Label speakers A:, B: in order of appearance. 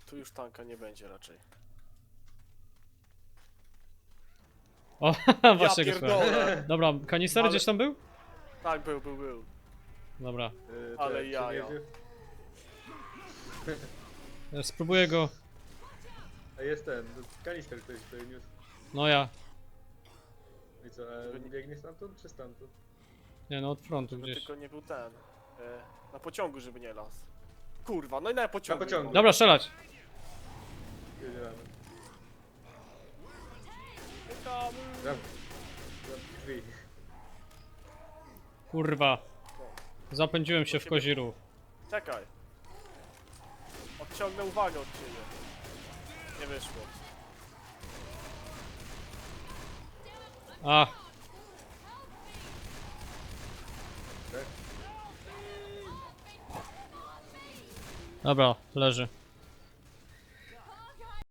A: Tu już tanka nie będzie raczej.
B: O, właśnie go szukałem.
A: pierdolę!
B: Dobra, kanister
A: Ale-
B: gdzieś tam był?
A: Tak, był.
B: Dobra.
A: Ale
C: czekaj,
A: jaja.
C: czy nie
B: Ja spróbuję go.
C: A jest ten, kanister ktoś tutaj niósł.
B: No ja.
C: I co,
A: Żeby nie-
C: biegnie stamtąd czy stamtąd?
B: Nie no, od frontu
A: Żeby
B: gdzieś.
A: tylko nie był ten. Na pociągu, żeby nie las. Kurwa, no i na pociągu.
C: Na pociągu.
B: Dobra, strzelać.
C: Wiedziałem.
A: Tam.
C: Zam drzwi.
B: Kurwa. Zapędziłem się w kozi ruch.
A: Czekaj. Odciągnę uwagę od ciebie. Nie wyszło.
B: A,
C: Tak?
B: dobra, leży.